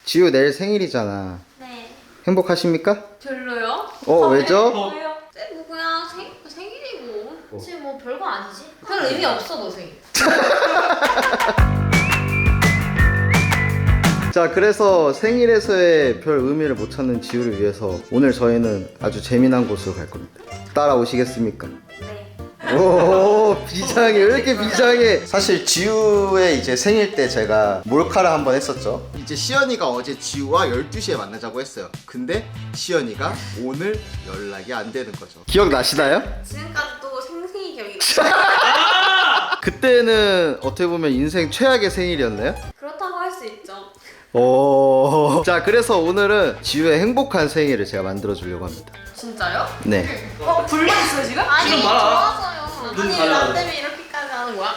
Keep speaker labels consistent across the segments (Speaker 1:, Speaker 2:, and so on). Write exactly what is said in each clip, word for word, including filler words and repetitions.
Speaker 1: 지우 내일 생일이잖아.
Speaker 2: 네.
Speaker 1: 행복하십니까?
Speaker 2: 별로요?
Speaker 1: 어, 왜죠?
Speaker 2: 왜요? 뭐 그냥 생, 생일이고. 지금 뭐 별거 아니지? 별 의미 없어 너 생일.
Speaker 1: 자, 그래서 생일에서의 별 의미를 못 찾는 지우를 위해서 오늘 저희는 아주 재미난 곳으로 갈 겁니다. 따라오시겠습니까?
Speaker 2: 네.
Speaker 1: 오, 비장해. 왜 이렇게 비장해? 사실 지우의 이제 생일 때 제가 몰카를 한번 했었죠. 이제 시연이가 어제 지우와 열두 시에 만나자고 했어요. 근데 시연이가 오늘 연락이 안 되는 거죠. 기억나시나요?
Speaker 2: 지금까지 또 생생히 기억이
Speaker 1: 그때는 어떻게 보면 인생 최악의 생일이었나요?
Speaker 2: 그렇다고 할 수 있죠.
Speaker 1: 오. 자, 그래서 오늘은 지우의 행복한 생일을 제가 만들어 주려고 합니다.
Speaker 2: 진짜요?
Speaker 1: 네.
Speaker 2: 어 불만 있어요 지금? 아니
Speaker 3: 지금 봐라.
Speaker 2: 좋았어요.
Speaker 3: 눈
Speaker 2: 아니
Speaker 3: 가려워.
Speaker 2: 나 때문에 이렇게까지 하는 거야?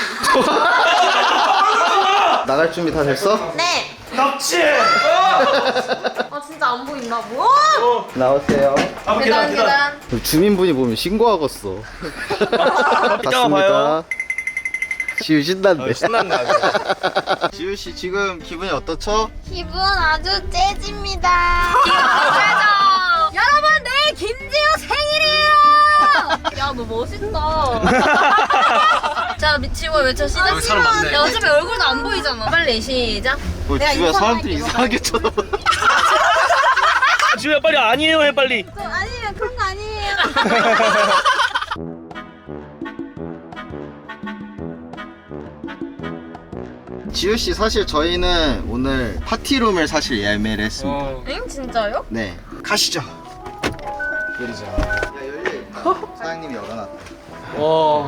Speaker 1: 나갈 준비 다 됐어?
Speaker 2: 네.
Speaker 3: 납치!
Speaker 2: 아 진짜 안 보인다. 뭐야?
Speaker 3: 어.
Speaker 1: 나오세요.
Speaker 3: 아, 계단, 계단.
Speaker 1: 주민분이 보면 신고하겠어.
Speaker 3: 이따가 봐요.
Speaker 1: 지우 신난데.
Speaker 3: 어, 신났네, 아주.
Speaker 1: 지우 씨 지금 기분이 어떻죠?
Speaker 2: 기분 아주 째집니다. 기분 여러분 내일 김지우 생일이에요. 야 너 멋있다. 자 미치고 외쳐 시작.
Speaker 3: 여기 사람 많네.
Speaker 2: 야 어차피 얼굴도 안 보이잖아. 빨리 시작.
Speaker 1: 뭐
Speaker 2: 내가
Speaker 1: 지우야
Speaker 2: 인사할게,
Speaker 1: 사람들이
Speaker 2: 이거
Speaker 1: 이상하게
Speaker 2: 빨리.
Speaker 1: 쳐다보네.
Speaker 3: 지우야, 빨리 아니에요 해, 빨리.
Speaker 2: 저 아니에요 그런 거 아니에요.
Speaker 1: 지우 씨 사실 저희는 오늘 파티룸을 사실 예매를 했습니다.
Speaker 3: 어.
Speaker 2: 응 진짜요?
Speaker 1: 네. 가시죠.
Speaker 3: 내리자.
Speaker 1: 야 열려. 사장님이 열어놨다.
Speaker 3: 와.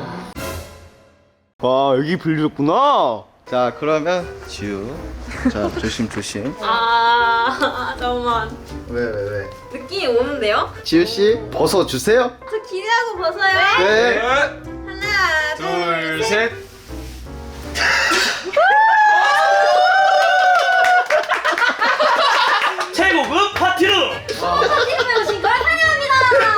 Speaker 1: 와 여기 빌려줬구나. 자 그러면 지우. 자 조심 조심.
Speaker 2: 아 잠깐만
Speaker 1: 왜 왜 왜?
Speaker 2: 느낌이 오는데요?
Speaker 1: 지우 씨 벗어 주세요.
Speaker 2: 저 기대하고 벗어요.
Speaker 1: 네.
Speaker 2: 하나
Speaker 3: 둘, 셋. 최고급 파티룸!
Speaker 2: 파티룸에 오신 걸 환영합니다.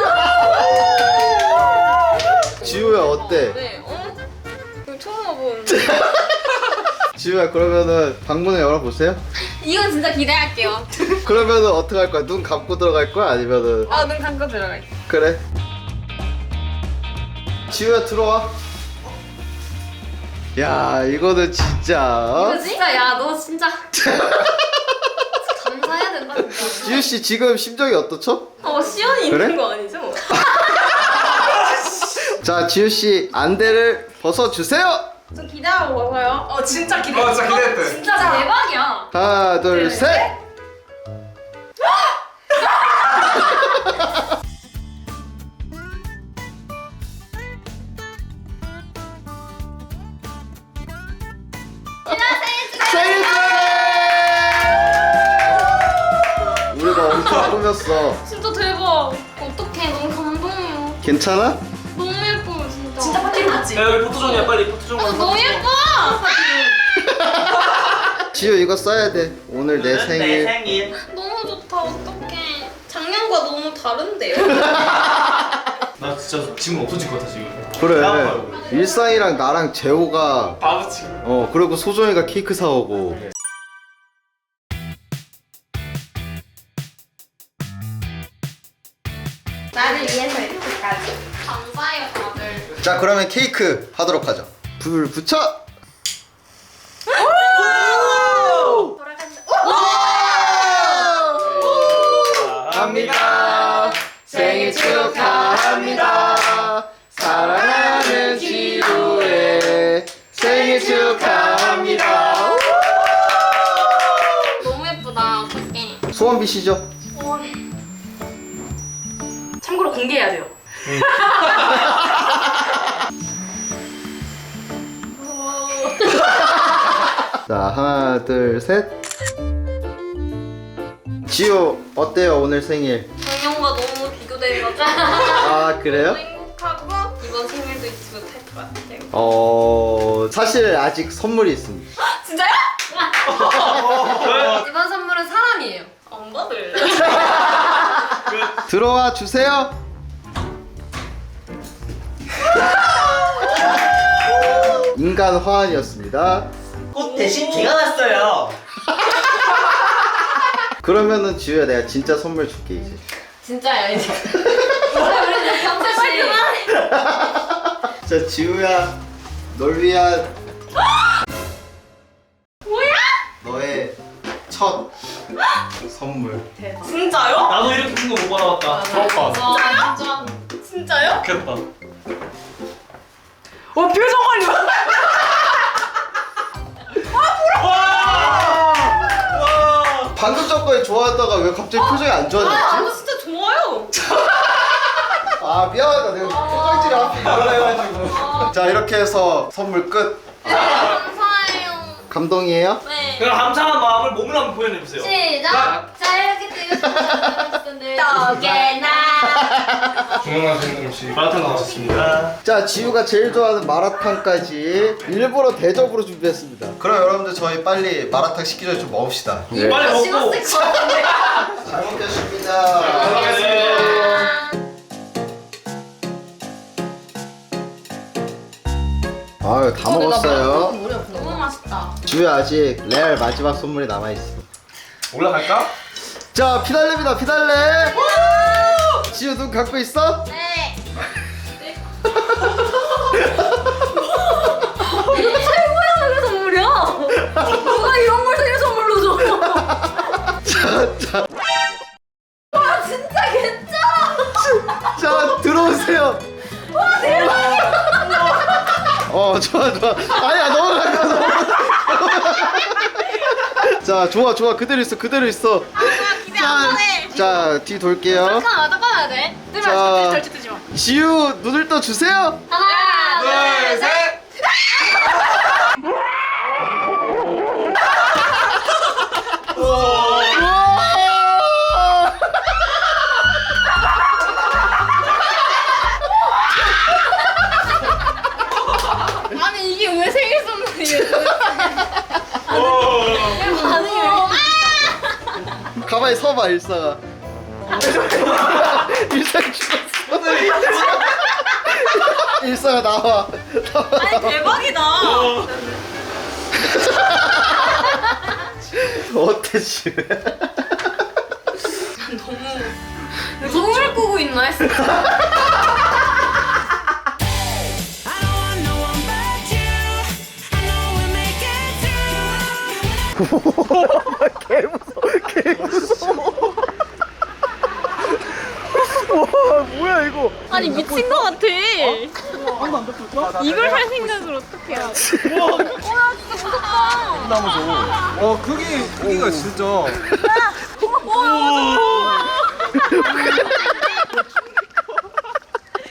Speaker 1: 지우야 어때?
Speaker 2: 네, 어? 이거 처음 와보는데.
Speaker 1: 지우야 그러면은 방문을 열어보세요.
Speaker 2: 이건 진짜 기대할게요.
Speaker 1: 그러면은 어떻게 할 거야? 눈 감고 들어갈 거야? 아니면은
Speaker 2: 아, 눈 감고 들어갈게.
Speaker 1: 그래. 지우야 들어와. 야 이거는 진짜. 어?
Speaker 2: 이거 진짜, 야, 너 진짜. 감사해야 된다, 진짜.
Speaker 1: 지우 씨 지금 심정이 어떻죠?
Speaker 2: 어, 시연이
Speaker 1: 그래?
Speaker 2: 있는 거 아니죠?
Speaker 1: 자 지우 씨 안대를 벗어 주세요.
Speaker 2: 저 기대하고 와서요. 어, 진짜 기대.
Speaker 3: 어, 진짜 기대했대.
Speaker 2: 진짜 대박이야.
Speaker 1: 하나 둘 셋. 생일 축하해! 우리가 엄청 꾸몄어.
Speaker 2: 진짜 대박. 어떡해, 너무 감동해요.
Speaker 1: 괜찮아?
Speaker 2: 너무 예뻐요, 진짜. 진짜 파티룸 같지?
Speaker 3: 야, 여기 포토존이야, 빨리 포토존.
Speaker 2: 아, 너무 예뻐!
Speaker 1: 지우 이거 써야 돼. 오늘 내 생일.
Speaker 3: 생일.
Speaker 2: 너무 좋다, 어떡해. 작년과 너무 다른데요?
Speaker 3: 나 진짜 지금 없어질 것 같아, 지금.
Speaker 1: 그래. 일상이랑 나랑 재호가
Speaker 3: 바보치.
Speaker 1: 어 그리고 소정이가 케이크 사오고.
Speaker 2: 나를 위해서 이렇게까지. 감사해요, 다들.
Speaker 1: 자 그러면 케이크 하도록 하죠. 불 붙여.
Speaker 2: 돌아간다.
Speaker 1: 합니다. 생일 축하합니다. 사랑하는 지우의 생일 축하합니다.
Speaker 2: 너무 예쁘다, 어떡해.
Speaker 1: 소원 비시죠.
Speaker 2: 참고로 공개해야 돼요.
Speaker 1: 자 하나 둘 셋. 지우 어때요 오늘 생일?
Speaker 2: 작년과 너무 비교되는 거죠?
Speaker 1: 아 그래요?
Speaker 2: 행복하고 이번 생일도 잊지 못할 것 같아요.
Speaker 1: 어 사실 아직 선물이 있습니다.
Speaker 2: 진짜요? 이번 선물은 사람이에요. 안 받을래?
Speaker 1: 들어와 주세요. 인간 화환이었습니다.
Speaker 4: 꽃 대신 제가 왔어요.
Speaker 1: 그러면은 지우야 내가 진짜 선물 줄게 이제.
Speaker 2: 진짜야 이제. 원래 우리 평소에 그만해.
Speaker 1: 자 지우야 널 위한
Speaker 2: 뭐야?
Speaker 1: 너의 첫 선물.
Speaker 2: 대박.
Speaker 4: 진짜요?
Speaker 3: 나도 이렇게 큰 거 못 받아봤다.
Speaker 2: 진짜요? 진짜.
Speaker 4: 진짜요?
Speaker 3: 좋겠다.
Speaker 4: 와 표정 관리.
Speaker 3: 와! 와!
Speaker 1: 방금 전까지 좋아하다가 왜 갑자기 표정이 안
Speaker 4: 아,
Speaker 1: 좋아졌지?
Speaker 4: 진짜 좋아요.
Speaker 1: 아 미안하다 내가 표정질이 앞에 말라 해가지고. 자 이렇게 해서 선물 끝.
Speaker 2: 감사해요.
Speaker 1: 감동이에요?
Speaker 2: 네.
Speaker 3: 그럼 감사한 마음을 몸으로 한번 표현해보세요.
Speaker 2: 시작. 자 이렇게 뜨거운 떡에나.
Speaker 3: 중앙한 생각없이 마라탕 나왔습니다.
Speaker 1: 자 지우가 제일 좋아하는 마라탕까지 일부러 대접으로 준비했습니다. 그럼 여러분들 저희 빨리 마라탕 식기 전에 좀 먹읍시다.
Speaker 3: 빨리 먹고.
Speaker 2: 식었을 것 같은데.
Speaker 1: 잘 먹겠습니다. 아유 다 먹었어요.
Speaker 2: 너무 맛있다.
Speaker 1: 지우야 아직 레알 마지막 선물이 남아있어.
Speaker 3: 올라갈까?
Speaker 1: 자 피날레입니다 피날레. 지우 눈 감고 있어?
Speaker 2: 네. 이게 최고의 생일 선물이야. 누가 이런 걸 생일 선물로 줘?
Speaker 1: 자, 자,
Speaker 2: 와 진짜 괜찮아.
Speaker 1: 자 들어오세요.
Speaker 2: 와 대박.
Speaker 1: 어 좋아 좋아. 아니야 너무 가까워. 자 좋아 좋아 그대로 있어 그대로 있어.
Speaker 2: 기대 안 하네.
Speaker 1: 자뒤 돌게요.
Speaker 2: 잠깐만 잠깐만 돼. 뜨지
Speaker 1: 자.
Speaker 2: 마. 절대 뜨지 마.
Speaker 1: 지우 눈을 떠 주세요.
Speaker 2: 하나 둘 셋. 아니 이게 왜 생일 선물이에요? 왜 반응이 왜 이렇게
Speaker 1: 가만히 서봐 일상아. 일상 죽었어. 일상아 나와.
Speaker 4: 아니 대박이다.
Speaker 1: 어때 지우?
Speaker 2: 너무 꿈을 꾸고 있나 했어.
Speaker 1: 개 무서워 개 무서워. 와 뭐야 이거.
Speaker 4: 아니 미친 거 같아. 이걸 할 생각을 어떻게 해?
Speaker 5: 어 크기 크기가 진짜
Speaker 4: 오,